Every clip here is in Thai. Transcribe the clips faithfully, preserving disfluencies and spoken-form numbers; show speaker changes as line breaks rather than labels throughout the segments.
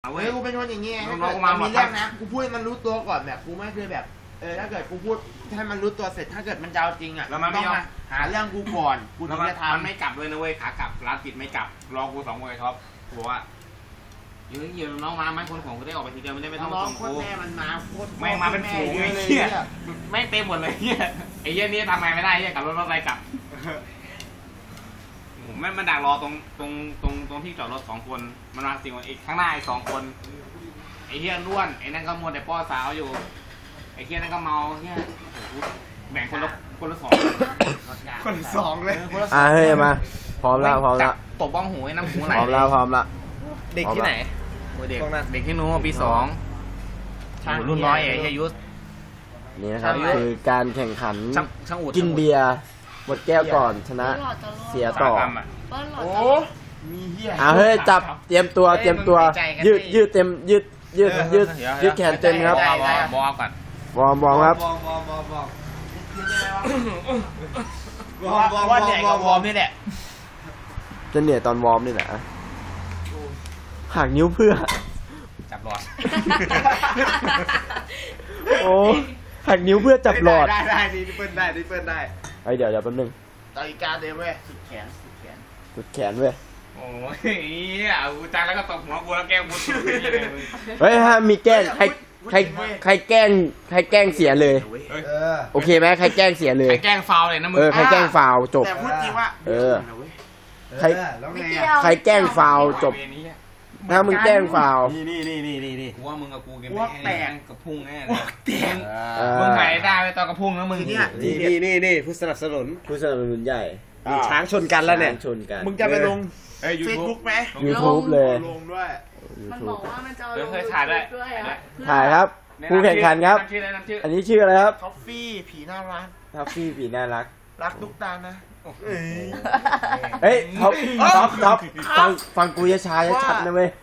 เอาเว้
เฮ้
ย
ยกูเป็นคนอย่างงี้ไง
น้
ถ้า
อง
เกิด
ๆมา
มันมีเรื่องนะกูพูดให้มันรู้ตัวก่อนแบบกูไม่เคยแบบเออถ้าเกิดกูพูดให้มันรู้ตัวเสร็จถ้าเกิดมันจะเอาจริงอ่ะ
แล้วมันไม่
ต้อง
ยอม
มาหาเรื่องกูก่อนกู
แล้
ถึ
ว
ง
มัน
จะ
มัน
ทำ
ไม่กลับเลยนะเว้ยขากลับร้านปิดไม่กลับรอกูสองคนไอ้ท็อปบอกว่าเดี๋ยวเดี๋ยวน้องมาไม่คนของกูได้ออกไปทีเดียวไม่ได้ไม่ต้อง
น้อง
ส่ง
โค
กู
ตรแม่มันมาโคตร
แม่งมาเป็นฝูงไอ้เหี้ยแม่งเต็มหมดเลยเหี้ยไอ้เหี้ยนี่ทำไงไม่ได้เหี้ยกลับรถรถอะไรกลับผมแม่งมันดักรอตรงตรงตรงตรงที่จอดรถสองคนมันมาสิ่งอีกข้างหน้าอีกสองคนไอ้เหี้ยล้วนไอ้นั่นก็มัวแต่ป้อสาวอยู่ไอ้เหี้ยนั่นก็เมาเหี้ยแบ่งคนละคนละสอง
คนสองเลย
อ่ะเฮ้ยมาพร้อมแล้วพร้อมแล้ว
ตบบ้องหูไอ้น้ำหูไหล
พร้อมแล้วพร้อมแล้ว
เด็กที่ไหนเด็กเด็กที่นู้นปีสองรุ่นน้อยไอ้เหี้ยยุทธ
นี่นะครับ
ใช่
คือการแข่งขัน
ช่างช่างอูด
กินเบียร์หมดแก้วก่อนชนะเสียต่อ
โอ้มีเหี้ย
อ่ะเฮ้ยจับเตรียมตัวเตรียมตัว ยืดยืดเต็มยืดยืดยืดยืดแขนเต็มครับ
บอลบอลก่อน
วอร์มวอร์มครับ
วอร์มวอร์มวอร์มวอร์มว่าแดกกับวอร์มนี่แหละ
จะเหนื่อยตอนวอร์มนี่แหละหักนิ้วเพื่อ
จับหลอด
โอ้หักนิ้วเพื่อจับหลอด
ได้ได้ดีเปิ้ลได้ดีเปิ้ลได้
ไอเดี๋ยวเดี๋ยวแป๊บนึง
ต่อยกาเดิมเว้ยสุดแขนสุดแขน
สุดแขนเว้ย
โอ้ยเอากูจังแล้วก็ตบหัวกูแล้วแกล้งกูสุดเลย
เฮ้ยห้ามมีแกล้งใครใครใครแกล้งใครแกล้งเสียเลย
เออ
โอเคไหมใครแกล้งเสียเลย
ใครแกล้งฟาวเลยนะมึง
เออใครแกล้งฟาวจบ
แต่พูดจริงว่า
เออ ใคร
แล้วไง
ใครแกล้งฟาวจบถ้ามึงแกล้งฟาว
นี่นี่นี่นี่นี่กูว่ามึงกับกูกันกับพุ่งแน่
แตก
มึงหายได้ไปตอนกับพุ่งแล้วมึง
เนี่ย
นี่นี่นี่นี่ผู้สนับสนุน
ผู้สนับสนุนใหญ่
มีช้างชนกันแล้วเนี่ย
ชนกัน
มึงจะไปลง
เอ้ยยู
เฟซ
ทู
บุ๊
บ
กไหม
YouTube เลย
ลงด้วย
มันบอกว่ามันจะเอาลง
เคยถ่ายด้วย
ด้วยอ่ะ
ถ่ายครับผู้แข่งขันครับ
ชื่ออะไรน้ำชื่อ
อันนี้ชื่ออะไรครับ
ท็อฟฟี่ผีน่ารัก
ทัฟฟี่ผีน่ารัก
รักทุกตานะ
เฮ้ยท็อปท็อปท็อปฟังฟังกูยช้าๆชัดๆนะเว้ย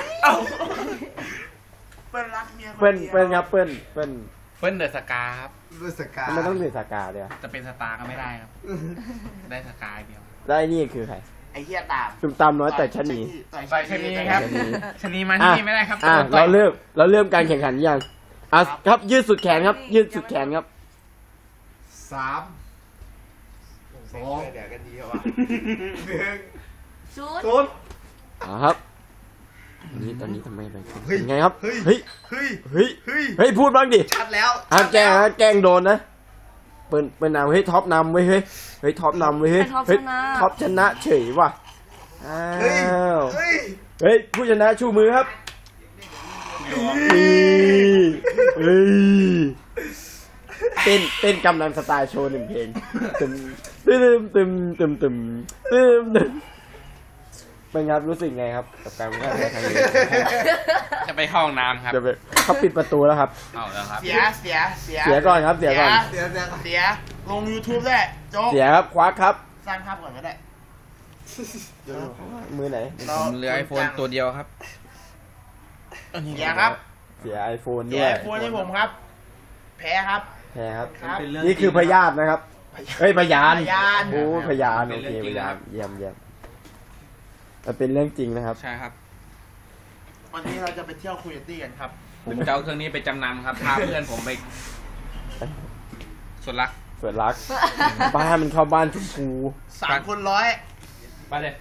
เปิ้ลรักเมีย
เปิ้ลเปิ้ลครับเปิ้ลเปิ้ล
เปิ้ลเดอะสกาครับ
ด้วยสกา
มันต้องถือสากาเดียว
จะเป็นสตาร์ก็ไม่ได้ครับ ได้สกาเดียว
ได้นี่คือใคร
ไอ้เหี้ยตาม
ตุ่มตามน้อยแต่ชะนี
ใส่ชนีครับ
ชะนี
ชนีมาที่นี่ไม่ได้ครับ
อ่ะเราเริ่มเราเริ่มการแข่งขันยังอ่ะครับยืดสุดแขนครับ ยืดสุดแขนครับ
สามสองเดี๋ยวกันดีว่ะหนึ่ง
ชุด
ศูนย์
อ่ะครับอันนี้ตอนนี้ทำไมอะไรเป็นไงครับ
เฮ้ย
เฮ้ย
เฮ้ย
เฮ้ย
เฮ้ย
เฮ้ยพูดบ้างดิ
ชัดแล้ว
ห้ามแกล้งนะแกล้งโดนนะเปิ้ลเปิ้ลนำเฮ้ยท็อปนำเว้ยเฮ้ยเฮ้ยท็อปนำเว้ยเฮ้ยเฮ้ยท็อปชนะเฉยว่ะอ้า
เฮ้ยว เฮ้ย
เฮ้ยผู้ชนะชูมือครับเฮ้ยเฮ้ยเต้นเต้นกำลังสไตล์โชว์หนึ่งเพลงตึมตึมตึมตึมตึมตึมตึมเป็นครับรู้สึกไงครับกับการแข่งขันครั้งนี้
จะไปเข้าห้องน้ำครับ
เดี๋ยวไปเขาปิดประตูแล้วครับ
เอาแล้วครับ
เสียเสียเสีย
เสียก่อนครับเสียก่อน
เสียเสียเสียลง YouTube ได้โจ๊ก
เสียครับควักครับ
สร้างภาพก่อนก็ได้
มือไหน
ผมเหลือไอโฟนตัวเดียวครับ
เสียครับ
เสียไอโฟน
เสี
ด้
ย
วย
ไอโฟนให้ผมครับ แพ้ครับ
แพ้ครับ
ครับ
นี่คือพยาธินะครับเฮ้ยพยาน
พยาน
โอ้พยาน
เป็
โอน
เรื่
เค
องจริ
พ
ง
ยา
ครั
น
บ
เยี่ยมเยี่ยมมันเป็นเรื่องจริงนะครับ
ใช่ครับ
วันนี้เราจะไปเที่ยวคุยตี้กันครับ
ผมจะเอาเครื่องนี้ไปจำนำครับ พาเพื่อนผมไปสุดรัก
เปิดรัก บ้านมันเข้าบ้านชมพู
สามคนร้อย
ไปเลย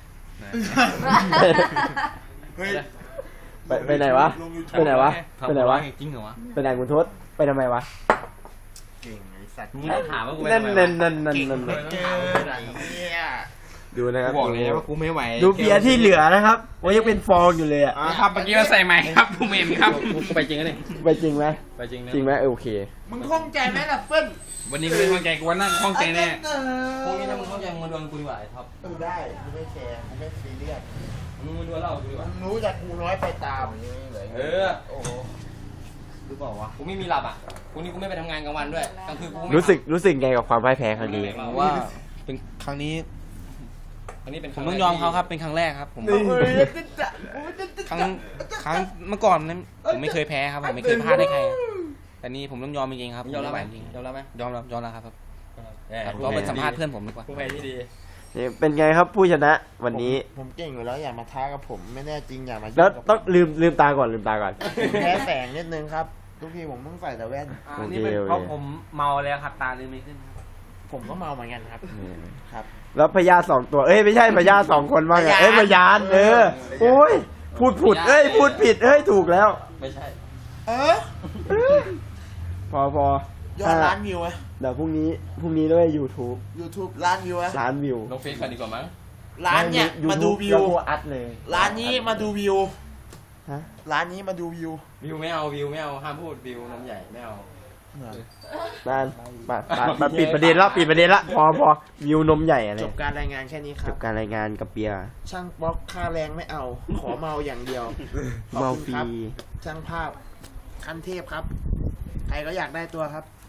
เฮ้ย
ไปไปไหนวะ
ลง YouTube
ไปไหนวะไปไหนวะ
จริงเหรอวะ
ไปไหนคุณทศไปทำไมวะ
เก่งไอ้สัตว์
มึงไม่ถามว่ากูไป
นั่น
ทำไม
นั่น
วะ
นั่นนั่น
เก่ง
นั่น
เหลือเกินไอ้เนี่ย
ดูนะค
กู
รับ
บอกเลยว่ากูไม่ไหว
ดูเบียร์ที่เหลือนะครับว่ายังเป็นฟองอยู่เลยอ่ะ
ครับเมื่อกี้เราใส่ใหม่ครับผมเห็นครับกูไปจริงกันเลย
ไปจริงไหม
ไปจริงนะ
จริงไหมเออโอเค
มึงคล่องใจไหมล่ะเปิ้ล
วันนี้กูไม่ข้องใจกูวันนั่งข้องใจแน่
พวกนี้ถ้ามึงเข้าใจมึงมาดวลกูดีกว่าไอ้ท็อป
เออได้กูไม่แคร์กูไม่ซีเรียส
มึงมาดวลเรากูดีกว่า
มึงรู้จักกูน้อยไปตาม
เออ
โอ้โห
หรือเปล่าวะกูไม่มีหลับอ่ะพรุ่งนี้กูไม่ไปทำงานกลางวันด้วยกลางคืนกูไม่
รู้สึกรู้สึกไงกับความพ่ายแพ้ครั้งนี้
ผมว่าเป็นครั้งนี้ครั้งนี้เป็นผมต้องยอมเขาครับเป็นครั้งแรกครับผม
เฮ้ย
ครั้งครั้งเมื่อก่อนนั้นผมไม่เคยแพ้ครับผมไม่เคยพลาดให้ใครแต่นี่ผมต้องยอมจริงๆครับยอมรับไหมยอมรับไหมยอมรับยอมรับครับเราไปสัมภาษณ์เพื่อนผมดีกว่า
ผู้แพ้ที่ดี
เป็นไงครับผู้ชนะวันนี้
ผมผมเก่งอยู่แล้วอย่ามาท้ากับผมไม่แน่จริงอย่ามา
แล้ว
ยุ่กับ
ต้องลืมลืมตาก่อนลืมตาก่อน
ผมแพ้แสงนิดนึงครับ ทุกทีผมเพิ่งใส่แต่แว่น
อันนี้เป็น
โอเค
เพราะผมเมาแล้วครับตาลืมไม่ขึ้นครับ
ผมก็เมาเหมือนกันครับ ครับ
แล้วพญาสองตัว เอ้ยไม่ใช่พญาสองคนว่าไง
พญา
เอ้ยพญานเออโอ้ยพูดผิดเอ้ยพูดผิดเอ้ยถูกแล้ว
ไม่ใช่
เออ
พอพอย
อดล้านวิวอะ
เดี๋ยวพรุ่งนี้พรุ่งนี้ด้วย YouTube
YouTube ล้านวิวอะ
ล้านวิว
ลงเฟซกันดีกว่ามั้ง
ร้านเนี่ยมาดูวิว
แล้วกูอัดเลย
ร้านนี้มาดูวิว
ฮะ
ร้านนี้มาดูวิว
วิวไม่เอาวิวไม่เอาห้ามพูดวิวน้ำใหญ่ไม่เอา
นั่นมามามาปิดประเด็นละปิดประเด็นละพอพอวิวนมใหญ่อะไร
จบการรายงานแค่นี้ค
จ
รั
บบ การรายงานกับเปีย
ช่างบล็อกค่าแรงไม่เอา ขอเมาอย่างเดียว
เมา
ขอบ
ฟ
คุณ
รี
ครับช่างภาพขั้นเทพครับ ใครก็อยากได้ตัวครับ